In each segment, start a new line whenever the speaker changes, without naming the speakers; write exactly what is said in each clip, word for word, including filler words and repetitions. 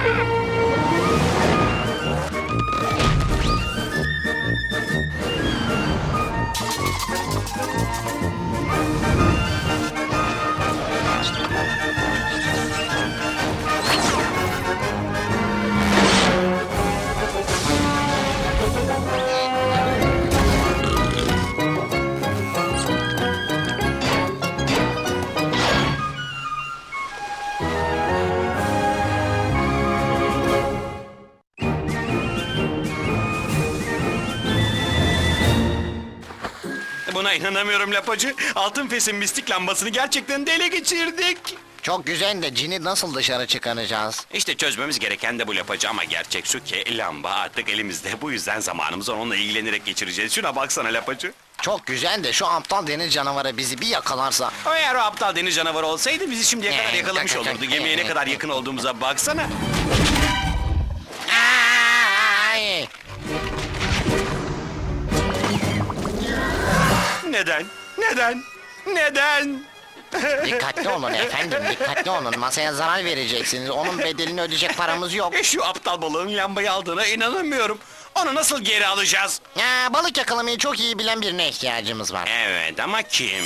Buna inanamıyorum Lapacı. Altın Fes'in mistik lambasını gerçekten de ele geçirdik.
Çok güzel de cini nasıl dışarı çıkaracağız?
İşte çözmemiz gereken de bu Lapacı, ama gerçek şu ki lamba artık elimizde. Bu yüzden zamanımızı onunla ilgilenerek geçireceğiz. Şuna baksana Lapacı.
Çok güzel de şu aptal deniz canavarı bizi bir yakalarsa.
Eğer o aptal deniz canavarı olsaydı bizi şimdiye kadar
Ee,
yakalamış
kak- kak-
olurdu. Gemiye ne kadar yakın olduğumuza baksana.
Ay!
Neden? Neden? Neden?
Dikkatli olun efendim, dikkatli olun. Masaya zarar vereceksiniz. Onun bedelini ödeyecek paramız yok.
E, Şu aptal balığın lambayı aldığına inanamıyorum. Onu nasıl geri alacağız?
Ya, balık yakalamayı çok iyi bilen birine ihtiyacımız var.
Evet, ama kim?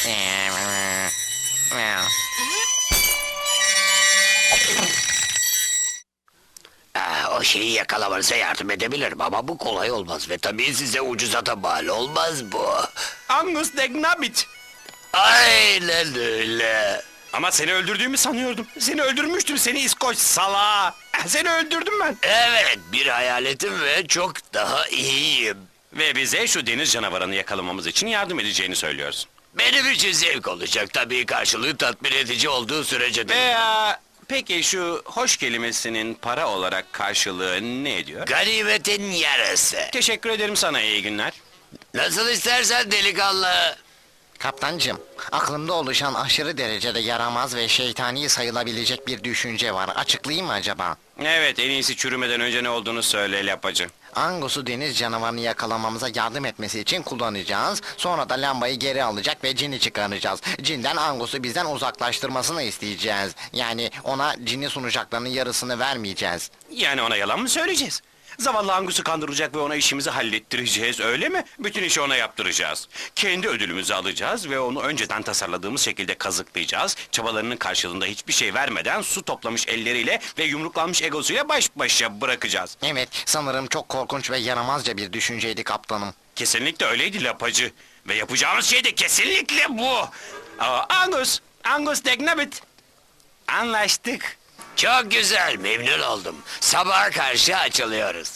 Aa, o şeyi yakalamanıza yardım edebilirim ama bu kolay olmaz ve tabii size ucuza da mal olmaz bu.
Angus Degnabit.
Aynen öyle.
Ama seni öldürdüğümü sanıyordum. Seni öldürmüştüm, seni İskoç salağı. Seni öldürdüm ben.
Evet, bir hayaletim ve çok daha iyiyim.
Ve bize şu deniz canavarını yakalamamız için yardım edeceğini söylüyorsun.
Benim için zevk olacak tabii, karşılığı tatmin edici olduğu sürece de.
Veya peki şu hoş kelimesinin para olarak karşılığı ne ediyor?
Ganimetin yarısı.
Teşekkür ederim sana, iyi günler.
Nasıl istersen delikanlı.
Kaptancım, aklımda oluşan aşırı derecede yaramaz ve şeytani sayılabilecek bir düşünce var. Açıklayayım mı acaba?
Evet, en iyisi çürümeden önce ne olduğunu söyle Lapacı.
Angus'u deniz canavarını yakalamamıza yardım etmesi için kullanacağız. Sonra da lambayı geri alacak ve cini çıkaracağız. Cinden Angus'u bizden uzaklaştırmasını isteyeceğiz. Yani ona cini sunacaklarının yarısını vermeyeceğiz.
Yani ona yalan mı söyleyeceğiz? Zavallı Angus'u kandıracak ve ona işimizi hallettireceğiz, öyle mi? Bütün işi ona yaptıracağız. Kendi ödülümüzü alacağız ve onu önceden tasarladığımız şekilde kazıklayacağız. Çabalarının karşılığında hiçbir şey vermeden su toplamış elleriyle ve yumruklanmış egosuyla baş başa bırakacağız.
Evet, sanırım çok korkunç ve yaramazca bir düşünceydi kaptanım.
Kesinlikle öyleydi Lapacı. Ve yapacağımız şey de kesinlikle bu. Aa, Angus, Angus Degnabit. Anlaştık.
Çok güzel, memnun oldum. Sabaha karşı açılıyoruz.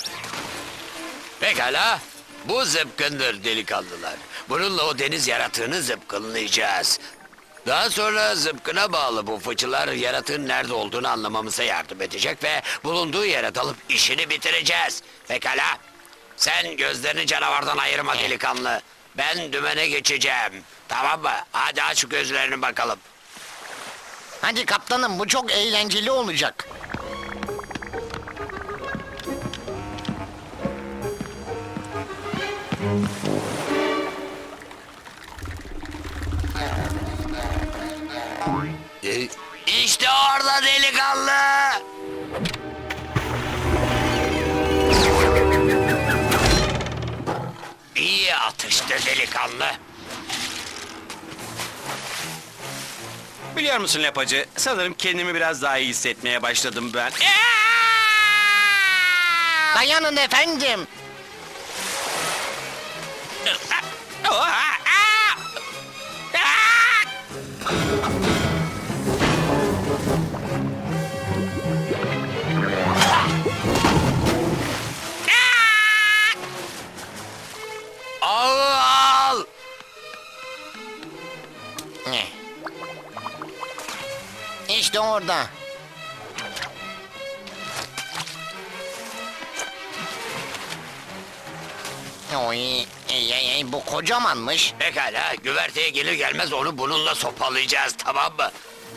Pekala, bu zıpkındır delikanlılar. Bununla o deniz yaratığını zıpkınlayacağız. Daha sonra zıpkına bağlı bu fıçılar yaratığın nerede olduğunu anlamamıza yardım edecek ve bulunduğu yere dalıp işini bitireceğiz. Pekala, sen gözlerini canavardan ayırma delikanlı. Ben dümene geçeceğim. Tamam mı? Hadi aç gözlerini bakalım.
Hadi kaptanım, bu çok eğlenceli olacak.
Ee, İşte orada delikanlı. İyi atıştı delikanlı.
Biliyor musun Lapacı, sanırım kendimi biraz daha iyi hissetmeye başladım ben.
Dayanın efendim.
Al!
Ne? İşte orada. Oy, ey, ey, ey, bu kocamanmış.
Pekala, güverteye gelir gelmez onu bununla sopalayacağız, tamam mı?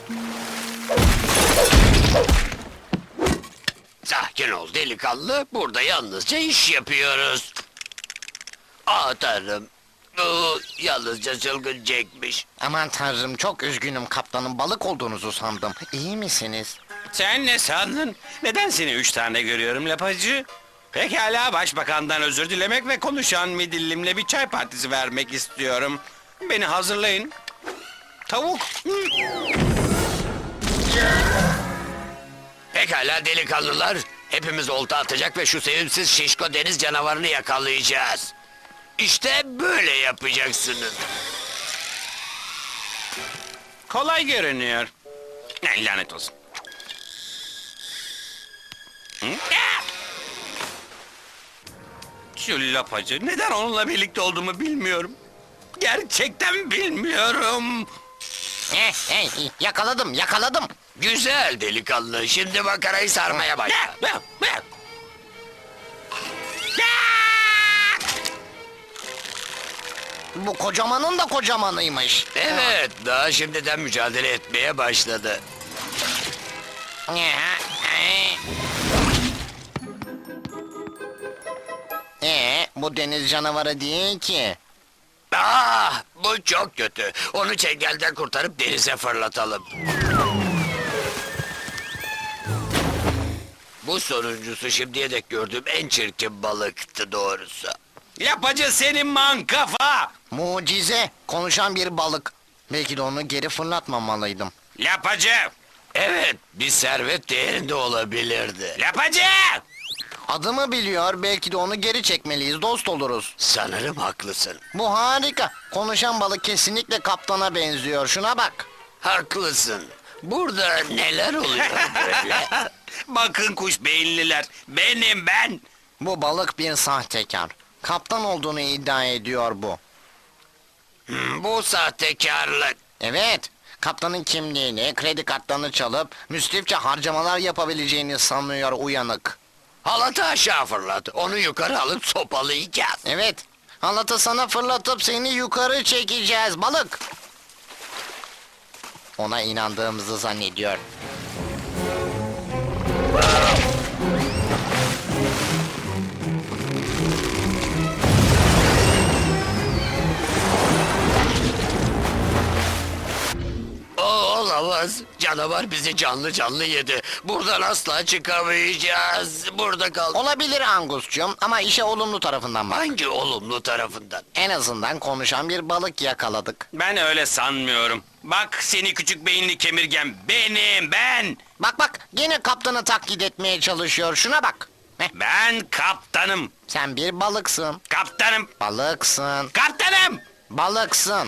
Sakin ol delikanlı, burada yalnızca iş yapıyoruz. Aa tanrım, bu yalnızca çılgın Jack'miş.
Aman tanrım, çok üzgünüm kaptanım, balık olduğunuzu sandım. İyi misiniz?
Sen ne sandın? Neden seni üç tane görüyorum lapacı? Pekala, başbakandan özür dilemek ve konuşan midillimle bir çay partisi vermek istiyorum. Beni hazırlayın. Tavuk.
Pekala delikanlılar. Hepimiz olta atacak ve şu sevimsiz şişko deniz canavarını yakalayacağız. İşte böyle yapacaksınız.
Kolay görünüyor. Ne lanet olsun. Hı? Ah! Şu lapacı, neden onunla birlikte olduğumu bilmiyorum. Gerçekten bilmiyorum.
Eh, eh, yakaladım, yakaladım.
Güzel delikanlı. Şimdi makarayı sarmaya başla.
Ah! Ah! Ah!
Bu kocamanın da kocamanıymış.
Evet, daha şimdiden mücadele etmeye başladı.
Ee, bu deniz canavarı değil ki.
Ah, bu çok kötü. Onu çengelden kurtarıp denize fırlatalım. Bu sonuncusu şimdiye dek gördüğüm en çirkin balıktı doğrusu.
Lapacı senin mankafa.
Mucize, konuşan bir balık. Belki de onu geri fırlatmamalıydım.
Lapacı.
Evet, bir servet değerinde olabilirdi.
Lapacı.
Adımı biliyor, belki de onu geri çekmeliyiz, dost oluruz.
Sanırım haklısın.
Bu harika. Konuşan balık kesinlikle kaptana benziyor. Şuna bak.
Haklısın. Burada neler oluyor böyle?
Bakın kuş beyinliler. Benim ben.
Bu balık bir sahtekar. Kaptan olduğunu iddia ediyor bu.
Hmm, bu sahtekarlık.
Evet, kaptanın kimliğini, kredi kartlarını çalıp müsrifçe harcamalar yapabileceğini sanıyor uyanık.
Halatı aşağı fırlat. Onu yukarı alıp sopalayacağız.
Evet, halatı sana fırlatıp seni yukarı çekeceğiz balık. Ona inandığımızı zannediyor.
O olamaz. Canavar bizi canlı canlı yedi. Buradan asla çıkamayacağız. Burada kal.
Olabilir Angus'cum ama işe olumlu tarafından bak.
Hangi olumlu tarafından?
En azından konuşan bir balık yakaladık.
Ben öyle sanmıyorum. Bak seni küçük beyinli kemirgen. Benim ben.
Bak bak, gene kaptanı taklit etmeye çalışıyor. Şuna bak. Heh,
Ben kaptanım.
sen bir balıksın.
Kaptanım.
Balıksın.
Kaptanım.
Balıksın.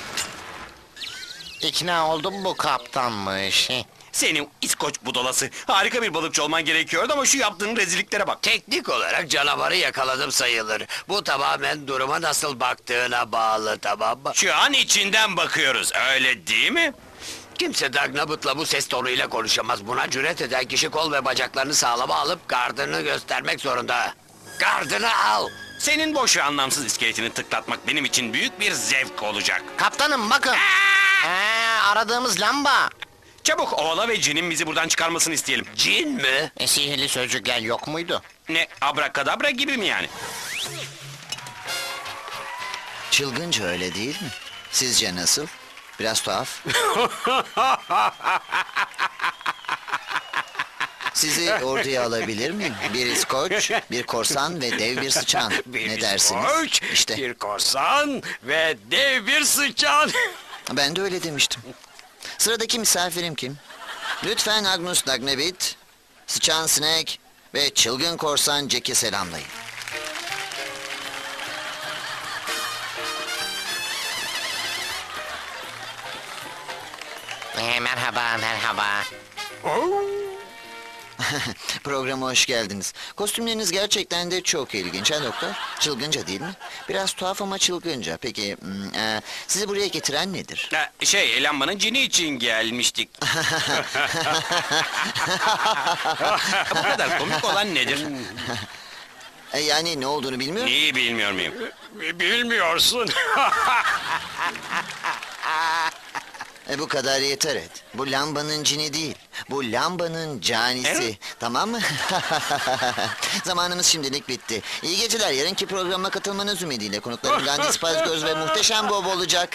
İkna oldum, bu kaptanmış. Heh.
Senin İskoç budalası. Harika bir balıkçı olman gerekiyordu ama şu yaptığın rezilliklere bak.
Teknik olarak canavarı yakaladım sayılır. Bu tamamen duruma nasıl baktığına bağlı, tamam mı?
Şu an içinden bakıyoruz, öyle değil mi?
Kimse Dagnabut'la bu ses tonuyla konuşamaz. Buna cüret eden kişi kol ve bacaklarını sağlama alıp gardını göstermek zorunda. Gardını al.
Senin boş ve anlamsız iskeletini tıklatmak benim için büyük bir zevk olacak.
Kaptanım bakın. Ee, aradığımız lamba.
Çabuk oğla ve cinin bizi buradan çıkarmasını isteyelim.
Cin mi?
E, sihirli sözcükler yok muydu?
Ne, abrakadabra gibi mi yani?
Çılgınca öyle değil mi? Sizce nasıl? Biraz tuhaf. Sizi orduya alabilir miyim? Bir İskoç, bir korsan ve dev bir sıçan. Ne dersiniz? İşte
bir korsan ve dev bir sıçan.
ben de öyle demiştim. Sıradaki misafirim kim? Lütfen Agnus Dagnabit, sıçan Snake ve çılgın korsan Jack'i selamlayın.
Ee, merhaba merhaba.
Programa hoş geldiniz. Kostümleriniz gerçekten de çok ilginç ha doktor? Çılgınca değil mi? Biraz tuhaf ama çılgınca. Peki hmm, e, sizi buraya getiren nedir?
Ha, şey, lambanın cini için gelmiştik. Bu kadar komik olan nedir?
E, yani ne olduğunu bilmiyorum.
Neyi bilmiyor muyum?
Bilmiyorsun.
E, bu kadar yeter et. Bu lambanın cini değil. Bu lambanın canisi.
Evet.
Tamam mı? Zamanımız şimdilik bitti. İyi geceler. Yarınki programa katılmanız ümidiyle konuklarım Gandhi Spazgöz ve Muhteşem Bob olacak.